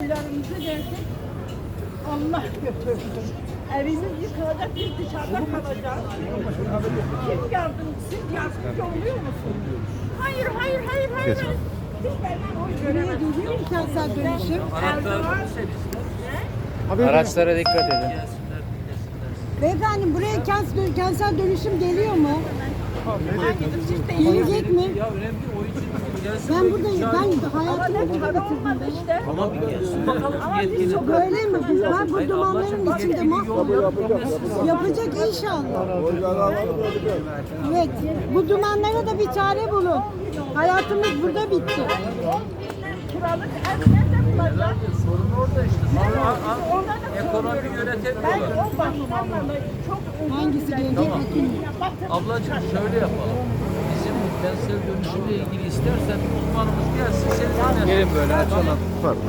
oylarımızı verdik. Allah götürdü. Evimiz yıkılacak, biz dışarıda kalacağız. Kim yardım? Siz yardımcı oluyor musunuz? Hayır, hayır, hayır, hayır. Biz benden oy göremedik. Geliyor mu kentsel dönüşüm? Araçlara dikkat edin. Beyefendi buraya kentsel dönüşüm geliyor mu? Gelecek mi? Ben buradayım. Ben hayatımı burada bitirdim. İşte. Ama bir gelsin. Bakalım gelin. Böyle mi? Ben bu dumanların içinde mahvoldum. Yapacak inşallah. Evet. Bu dumanlara da bir çare bulun. Hayatımız burada bitti. 10 binden kiralık ev nerede bulacak? Sorun orada işte. Orada da Ekonomi Ben yönetemiyorlar. o başkanla çok Hangisi gelecek? Bakın. Ablacığım şöyle yapalım. Bizim kentsel dönüşümle ilgili istersen uzmanımız gelsin. Senin Gelin böyle açalım.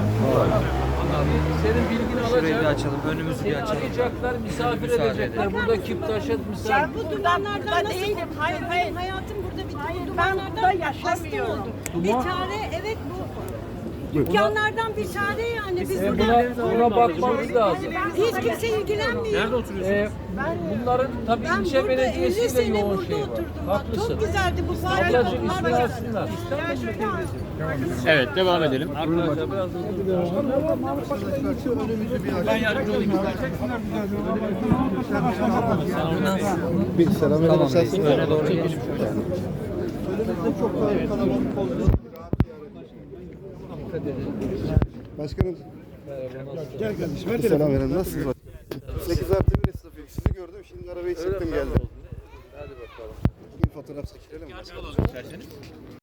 Senin bilgini Şurayı bir alacak. açalım. Önümüzü bir Seni açalım. arayacaklar, misafir Müsaade edecekler. edin. Burada Kiptaş'a misafir. Bu dumanlardan nasıl değilim. Hayır, hayır. Hayatım burada bitti. Hayır, Bu ben dumanlardan burada yaşamıyorum. hasta oldum. Bir çare evet bu. Dükkanlardan bir çare yani. Biz Buna bakmamız lazım. hiç kimse ilgilenmiyor. Nerede oturuyorsunuz? Bunların tabii Ben ilçe burada 50 belediyesiyle sene yoğun burada şey var. oturdum. Bak Haklısın. çok güzeldi bu fare Ablacığım bunlar ismini var. alsınlar. Evet, devam edelim. Arkadaşlar biraz hızlı. Ben yardımcı olayım istersen. Bir selam verelim. Tamam, reis. Öne doğru geçelim. Başkanım. Gel kardeşim. Bir selam verelim. Nasılsınız? 8+1 esnafıyım. Sizi gördüm. Şimdi arabayı çektim geldim. Hadi bakalım. Bir fotoğraf çekelim mi?